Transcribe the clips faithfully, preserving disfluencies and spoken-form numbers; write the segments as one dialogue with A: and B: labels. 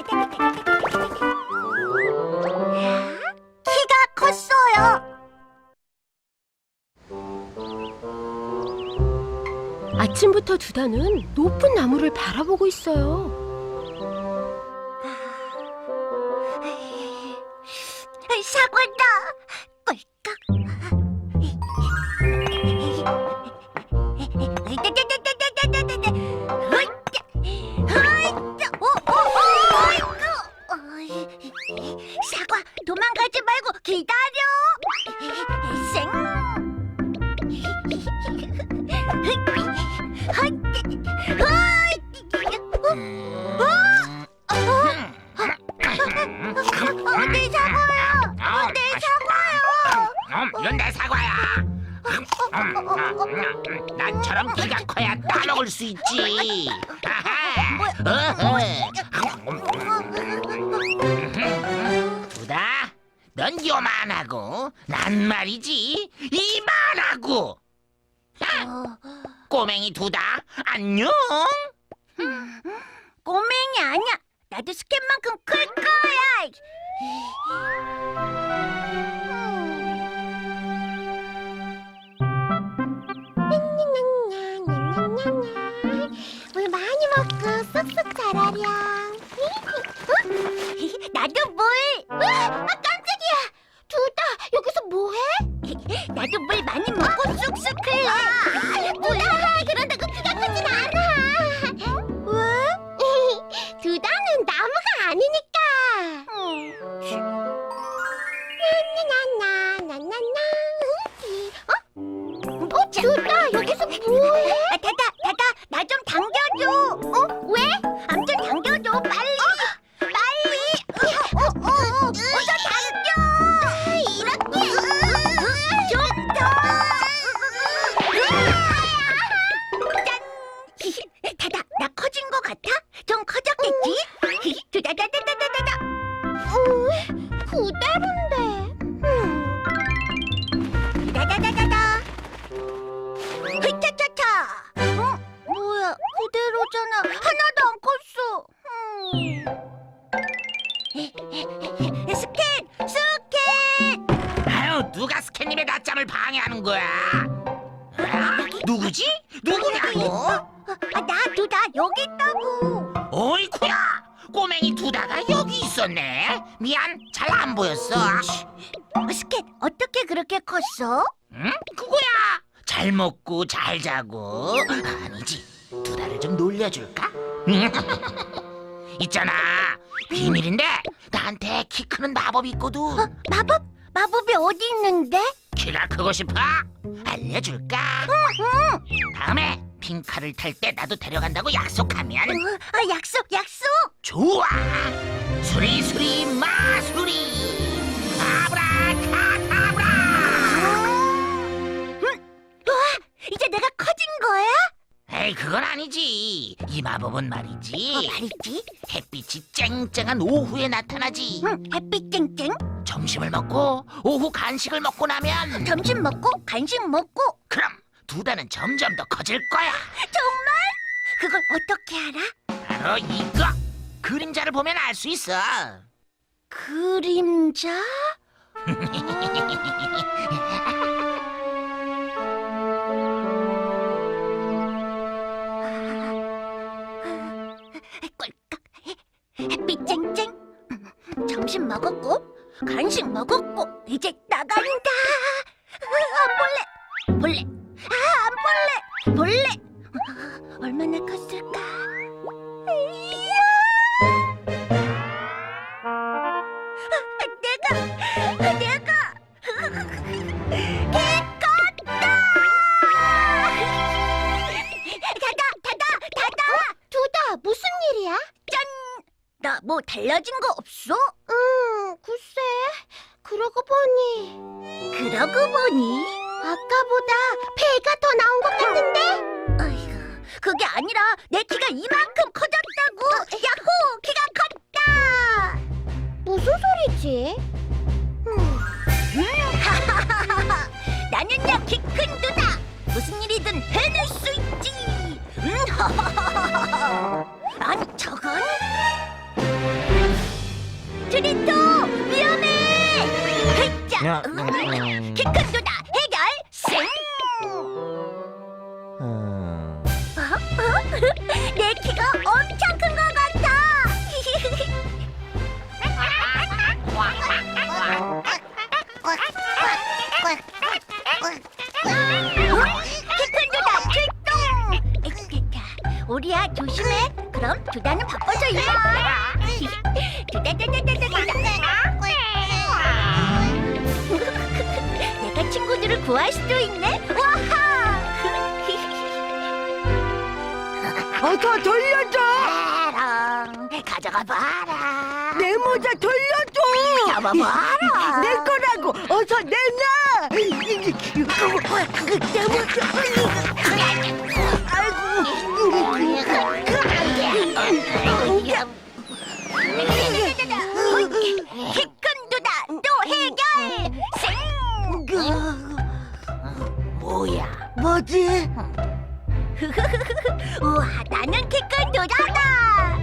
A: 키가 컸어요.
B: 아침부터 두다는 높은 나무를 바라보고 있어요.
A: 사과다. 꿀꺽. 사과, 도망가지 말고 기다려. 쌩. 어, 내 사과야. 어, 내 사과야.
C: 음, 이건 내 사과야. 음, 음, 난처럼 키가 커야 따먹을 수 있지. 아하. 어허. 두다, 넌 요만하고 난 말이지 이만하고. 아, 꼬맹이 두다, 안녕.
A: 꼬맹이 아니야. 나도 스캔만큼 클 거야. 물 많이 먹고 쏙쏙 자라렴. 나도 물. 아, 깜짝이야. 두다, 여기서 뭐해? 나도 물 많이 먹고 쑥쑥 클래. 뭐야? 그런다고 키가 크진 않아. 왜? 두다는 나무가 아니니까. 나나나나나나나. 어? 어, 두다, 여기서 뭐해? 아, 다다, 다다, 나 좀 당겨줘. 어? 왜? 암 좀 당겨줘, 빨리. 빨리. 어, 어, 어, 어서 당겨. 이렇게. 좀 더. 짠. 다다, 나 커진 거 같아? 좀 커졌겠지? 두다다다다다다다. 어, 그대로인데. 다다다다다. 흐차차차. 어? 뭐야? 그대로잖아. 하나도 안 컸어. 음. 스캔! 스캔!
C: 아유, 누가 스캔님의 낮잠을 방해하는 거야? 아, 누구지? 누구냐고?
A: 아, 나 두다 여기 있다고.
C: 어이쿠야, 꼬맹이 두다가 여기 있었네. 미안, 잘 안 보였어.
A: 어, 스캔, 어떻게 그렇게 컸어?
C: 응? 그거야. 잘 먹고 잘 자고. 아니지, 두다를 좀 놀려줄까? 있잖아, 비밀인데 나한테 키 크는 마법이 있거든.
A: 어, 마법? 마법이 어디 있는데?
C: 키가 크고 싶어? 알려줄까?
A: 응.
C: 다음에 핑카를 탈 때 나도 데려간다고 약속하면.
A: 어, 어, 약속, 약속.
C: 좋아. 수리수리 마수리 아브라카다브라.
A: 와, 이제 내가 커진 거야?
C: 에이, 그건 아니지. 이 마법은 말이지,
A: 어, 말이지.
C: 햇빛이 쨍쨍한 오후에 나타나지.
A: 응, 햇빛 쨍쨍.
C: 점심을 먹고 오후 간식을 먹고 나면,
A: 점심 먹고 간식 먹고.
C: 그럼 두다는 점점 더 커질 거야.
A: 정말? 그걸 어떻게 알아?
C: 바로 이거, 그림자를 보면 알 수 있어.
A: 그림자? 꿀꺽. 햇빛 쨍쨍. 점심 먹었고 간식 먹었고 이제 나간다. 안 볼래. 볼래. 아, 안 볼래. 볼래. 얼마나 컸을까? 이야. 내가 내가 개 컸다. 다다 다다 다다. 두다, 무슨 일이야? 짠. 나 뭐 달라진 거 없어? 음, 글쎄. 그러고 보니. 그러고 보니. 아까보다 배가 더 나온 것 같은데? 어이구, 그게 아니라 내 키가 이만큼 커졌다고. 야호, 키가 컸다. 무슨 소리지? 음. 나는야, 키 큰 두다. 무슨 일이든 해낼 수 있지. 음, 아니, 저건
C: 야,
A: 응?
C: 음.
A: 키 큰 두다 해결 생.
C: 음.
A: 내 키가 엄청 큰 것 같아. 키 큰 두다 출동. 우리야 조심해. 그럼 두다는 바빠서 이리 와. 두다다다다다다. 내가 친구들을 구할 수도 있네. 와하.
D: 어서 돌려줘!
A: 에랑, 가져가 봐라.
D: 내 모자 돌려줘!
A: 잡아봐라.
D: 내 거라고! 어서 내놔! 내 모자!
A: 키큰 두다 또 해결. 생. 뭐야?
D: 뭐지?
A: 우와, 나는 키큰 두다다.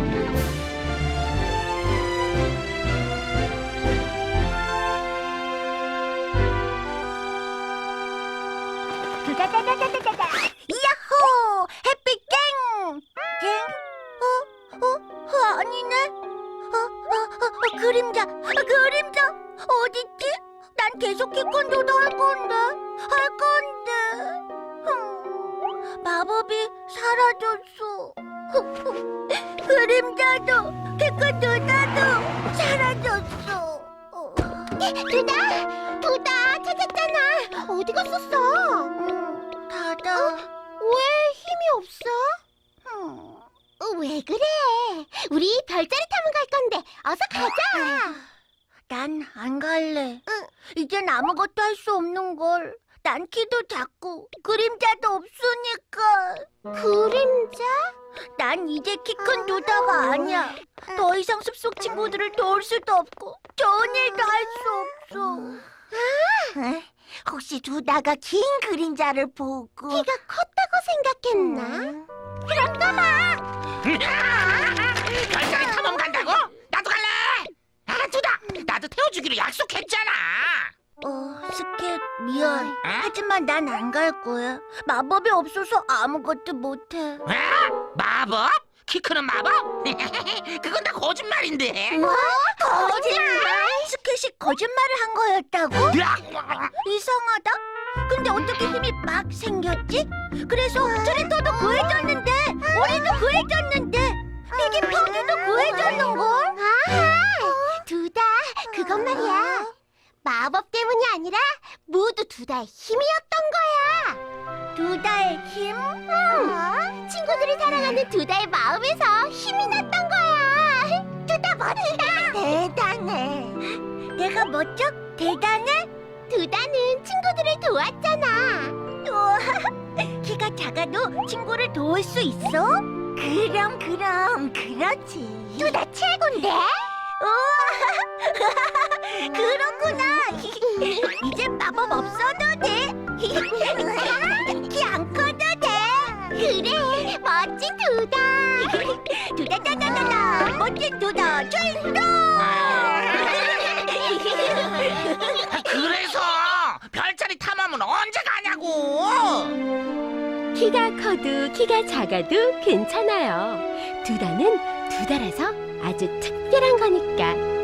A: 두다다다다다다. 야호! 햇빛 땡! 땡? 어? 어? 어? 아니네. 어? 어? 어? 어? 그림자! 아, 그림자! 어딨지? 난 계속 키큰 두다 할 건데. 할 건데. 흠, 마법이 사라졌어. 그림자도 키큰 두다도 사라졌어. 두다! 두다 찾았잖아. 어디 갔었어? 음, 다다. 왜 힘이 없어? 음, 왜 그래? 우리 별자리 타면 갈 건데 어서 가자. 난 안 갈래. 이젠 아무것도 할 수 없는 걸. 난 키도 작고 그림자도 없으니까. 그림자? 난 이제 키 큰 두다가 아니야. 더 이상 숲속 친구들을 도울 수도 없고 좋은 일도 할 수 없어. 아, 혹시 두다가 긴 그림자를 보고 키가 컸다고 생각했나? 그럼 가봐.
C: 별자리 탐험 간다고? 나도 갈래. 아, 두다. 나도 태워주기로 약속했잖아.
A: 어, 스캣 미안.
C: 어?
A: 하지만 난 안 갈 거야. 마법이 없어서 아무것도 못해.
C: 어? 마법? 키 크는 마법? 그건 다 거짓말인데.
A: 뭐? 거짓말? 스캣이 거짓말을 한 거였다고? 이상하다. 근데 어떻게 힘이 막 생겼지? 그래서 트리터도 구해줬는데, 우리도 구해줬는데, 이게 펑이도 구해줬는걸? 아하, 두다, 그것 말이야. 마법 때문이 아니라 모두 두다의 힘이었던 거야. 두다의 힘? 응. 친구들이 사랑하는 두다의 마음에서 힘이 났던 거야. 두다 멋지다. 대단해. 내가 멋져? 대단해? 두다는 친구들을 도왔잖아. 우와, 키가 작아도 친구를 도울 수 있어? 그럼 그럼 그렇지. 두다 최고인데? 우와, 그렇구나. 이제 마법 없어도 돼. 키 안 커도 돼. 그래, 멋진 두다. 두다다다다다, 멋진 두다 출동.
C: 그래서 별자리 탐험은 언제 가냐고.
B: 키가 커도 키가 작아도 괜찮아요. 두다는 두다라서 아주 특별한 거니까.